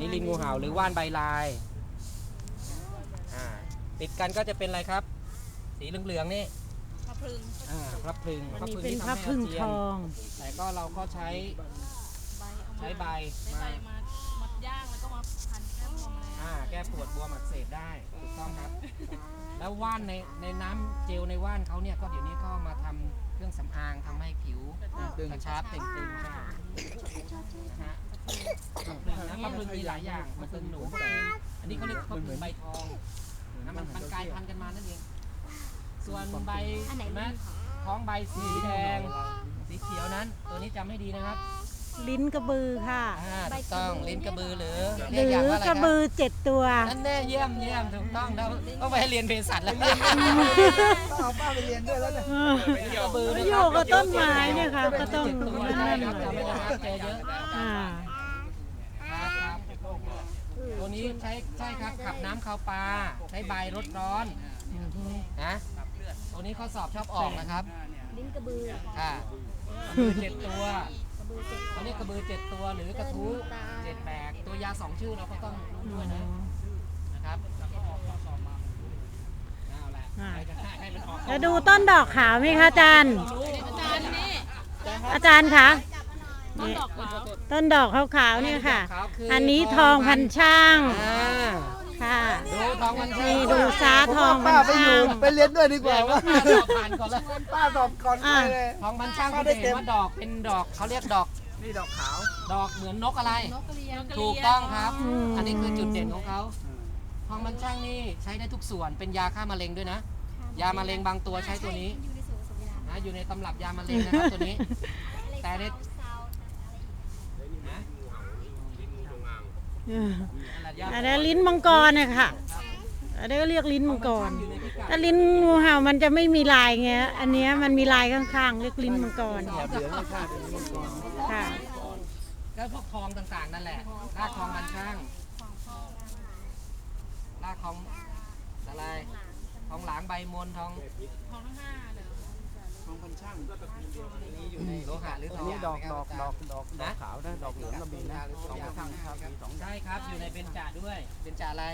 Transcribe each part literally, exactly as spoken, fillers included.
นี่ลิ้นงูเห่าหรือว่านใบลายติดกันก็จะเป็นอะไรครับสีเหลืองๆนี่พระพรึงอ่าพระพรึงอันนี้เป็นพระพรึงทองแต่ก็เราก็ใช้ใช้ใบมามัดย่างแล้วก็มาพันแก้ปวดอ่าแก้ปวดบวมอักเสบได้ถูกต้องครับแล้วว่านในในน้ำเจลในว่านเขาเนี่ยก็เดี๋ยวนี้ก็มาทำเครื่องสำอางทำให้ผิวกระชับเต่งตึงใช่นะฮะนะพระพรึงมีหลายอย่างพระพรึงหนูอันนี้เขาเรียกพระพรึงใบทองนะมันมันกลายพันธุ์กันมานั่นเองส่วนใบแม้ท้องใบสีแดงสีเขียวนั้นตัวนี้จำให้ดีนะครับลิ้นกระบือค่ะถูกต้องลิ้นกระบือหรือหรือกระบือเจ็ดตัวนั่นแน่เยี่ยมเยี่ยมถูกต้องเราต้องไปเรียนเภสัชแล้วเอาป้าไปเรียนด้วยแล้วเนี่ยกระบือโยกกับต้นไม้เนี่ยค่ะก็ต้องนั่นครับจำไม่ได้ครับเจอเยอะตัวนี้ใช้ใช่ครับขับน้ำข้าวปลาใช้ใบรดร้อนนะตัวนี้ข้อสอบชอบออกนะครับลิ้นกระบืออ่ากระบือเจ็ดตัวเขาเรียกกระบือเจ็ดตัวหรือกระทู้เจ็ดแบกตัวยาสองชื่อเราก็ต้องรู้ด้วยนะนะครับจะดูต้นดอกขาวไหมคะอาจารย์อาจารย์คะต้นดอกขาวๆเนี่ยค่ะอันนี้ทองพันช่างค่ะดูทองพันช่างนี่ดูซาทองพันช่างไปเรียนด้วยดีกว่าว่าป้าสอบผ่านก่อนแล้วป้าสอบก่อนเลยทองพันช่างก็ได้เห็นว่าดอกเป็นดอกเขาเรียกดอกนี่ดอกขาวดอกเหมือนนกอะไรถูกต้องครับอันนี้คือจุดเด่นของเขาทองพันช่างนี่ใช้ได้ทุกส่วนเป็นยาฆ่ามะเร็งด้วยนะยามะเร็งบางตัวใช้ตัวนี้นะอยู่ในตำรับยามะเร็งนะครับตัวนี้แต่ในอันนี้ลิ้นมังกรเนี่ยค่ะอันนี้ก็เรียกลิ้นมังกรถ้าลิ้นงูเห่ามันจะไม่มีลายไงอันนี้มันมีลายข้างๆเรียกลิ้นมังกรค่ะแล้วพวกทองต่างๆนั่นแหละรากทองพันช่างรากทองอะไรทองหลางใบมนทองทองทั้งห้าเลยทองพันช่างนี่อยู่ในโลหะหรือทองนี่ดอกดอกดอกดอกดอกขาวนะดอกเหลืองก็มีนะทองพันช่างครับมีสองใช่ครับอยู่ในเบญจาด้วยเบญจาอะไร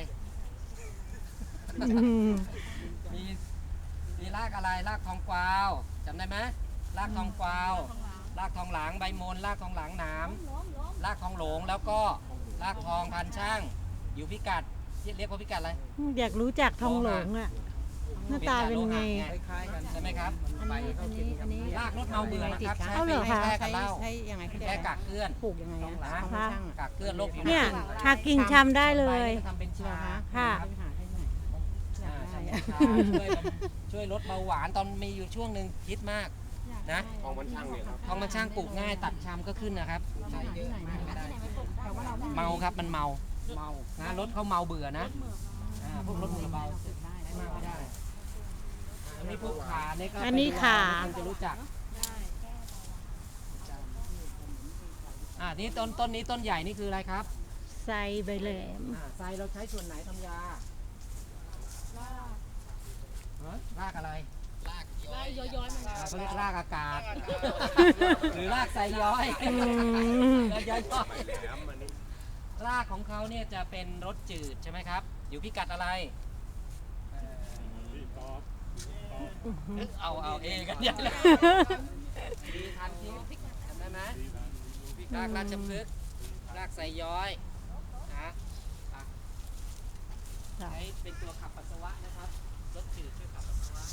มีมีรากอะไรรากทองกวาวจำได้ไหมรากทองกวาวรากทองหลางใบมนรากทองหลางหนามรากทองหลงแล้วก็รากทองพันช่างอยู่พิกัดเรียกว่าพิกัดอะไรอยากรู้จักทองหลงอ่ะหน้าตาเป็นไงคล้ายๆกันใช่ไหมครับอันนี้อันนี้อันนี้รากรถเมาเบื่อนะครับใช้แค่กับเหล้าแค่กักเกลื่อนปลูกยังไงนะกักเกลื่อนโรคผิวหนังเนี่ยหากิ่งชำได้เลยทำเป็นชาค่ะช่วยช่วยลดเบาหวานตอนมีอยู่ช่วงหนึ่งคิดมากนะทองมันช่างเนี่ยครับทองมันช่างปลูกง่ายตัดชำก็ขึ้นนะครับใช่เยอะมากได้เมาครับมันเมาเมานะรถเขาเมาเบื่อนะพวกรถมือเบาได้มากไม่ได้อันนี้พวกขาเนี่ยก็อันนี้ขาจะรู้จักอ่านี่ต้นต้นนี้ต้นใหญ่นี่คืออะไรครับไซใบแหลมไซเราใช้ส่วนไหนทำยา รากอะไรรากย้อยย้อยมันเขาเรียกรากอากาศหรือรากไซย้อยย้อยรากของเขาเนี่ยจะเป็นรสจืดใช่ไหมครับอยู่พิกัดอะไรเอาเอาเองกันใหญ่เลยดีทันทีจำได้ไหมรากราชพฤกษ์รากไซย้อยนะใช้เป็นตัวขับปัสสาวะนะครับรสจืดช่วยขับปัสสาวะ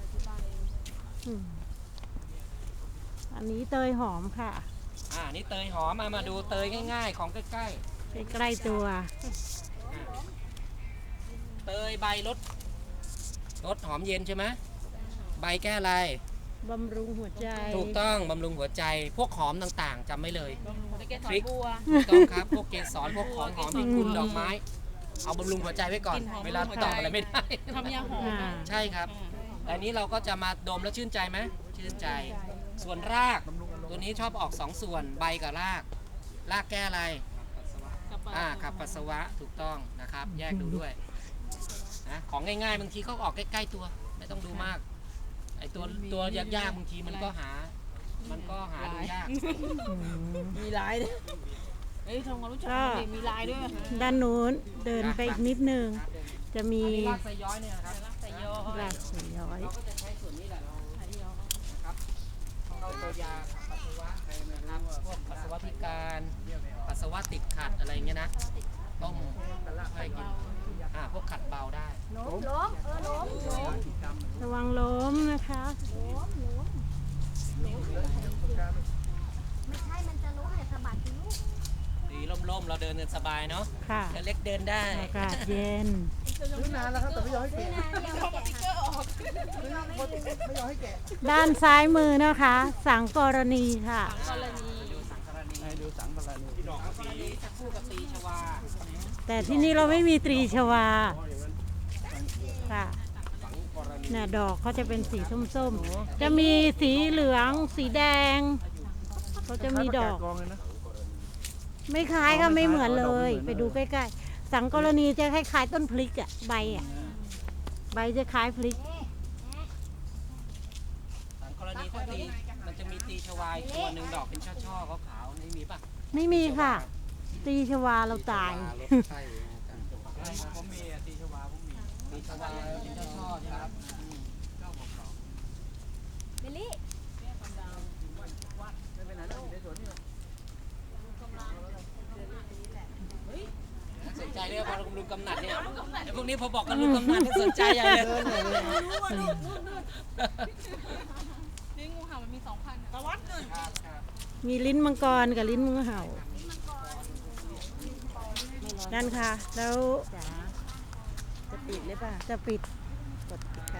อันนี้เตยหอมค่ะอ่านี่เตยหอมมามาดูเตยง่ายๆของใกล้ๆใกล้ๆตัวเตยใบรสรสหอมเย็นใช่ไหมใบแก้อะไรบำรุงหัวใจถูกต้องบำรุงหัวใจพวกหอมต่างๆจำไม่เลยพริกบัวถูกต้องครับพวกเกสรพวกของหอมที่คุณดอกไม้เอาบำรุงหัวใจไว้ก่อนเวลาตอบอะไรไม่ได้ทำยาหอมใช่ครับแต่นี้เราก็จะมาดมแล้วชื่นใจไหมชื่นใจส่วนรากตัวนี้ชอบออกสองส่วนใบกับรากรากแก้อะไรอ่าขับปัสสาวะถูกต้องนะครับแยกดูด้วยนะของง่ายๆบางทีเขาออกใกล้ๆตัวไม่ต้องดูมากไอตัวตัวยากๆบางทีมันก็หามันก็หาดูยากมีหลายเลยเอ้ยทำความรู้จักก็กันดิมีลายด้วยด้านนู้นเดินไปอีกนิดนึง จะมีอันนี้รากไซย้อยเนี่ยนะครับใส่ยอหลักสีย้อยเราก็จะใช้ส่วนนี้แหละเราใส่ยอนะครับเราตัวยาปัสสาวะนะครับพวกปัสสาวะพิการปัสสาวะติดขัดอะไรเงี้ยนะต้มให้กินอ่าพวกขัดเบาได้ล้มล้มเออล้มล้มระวังล้มนะคะล้มล้มไม่ใช่มันจะล้มเนี่ยสะบัดสิลูกดีร่มๆเราเดินกันสบายเนาะค่ะเล็กเดินได้อากาศเย็นซื้อนานแล้วครับแต่ไม่ยอมให้นี่แกะนะยังไม่แกะค่ะไม่ยอมให้แกะด้านซ้ายมือนะคะ สังกรณีค่ะกรณีดูสังกรณีให้ดูสังกรณีที่ดอกสังกรณีจะคู่กับตีชวาแต่ที่นี่เราไม่มีตรีชวาค่ะเนี่ยดอกเขาจะเป็นสีส้มๆ จะมีสีเหลือง สีแดงเขาจะมีดอกกองเลยนะไม่คล้ายก็ไม่เหมือนเลย ไปดูใกล้ๆ สังกรณีจะคล้ายๆต้นพลิกอะใบอะใบจะคล้ายพลิกสังกรณีถ้าตีมันจะมีตีชวาอีกตัวหนึ่งดอกเป็นช่อๆขาวๆนี่มีป่ะไม่มีค่ะ ตรีชวาเราตายใช่ผมมีอ่ะตีชวาผมมีตีชวาเป็นช่อๆใช่ไหมครับอืมเบลลี่สนใจเรื่องพอลุงกำนัดเนี่ยไอ้พวกนี้พอบอกกันลุงกำนัดนี่สนใจอย่างเลยนี่งูเห่ามันมีสองพันตะวัดเลยครับครับมีลิ้นมังกรกับลิ้นมือเห่านั่นค่ะ แล้วจะปิดหรือเปล่าจะปิดกดปิด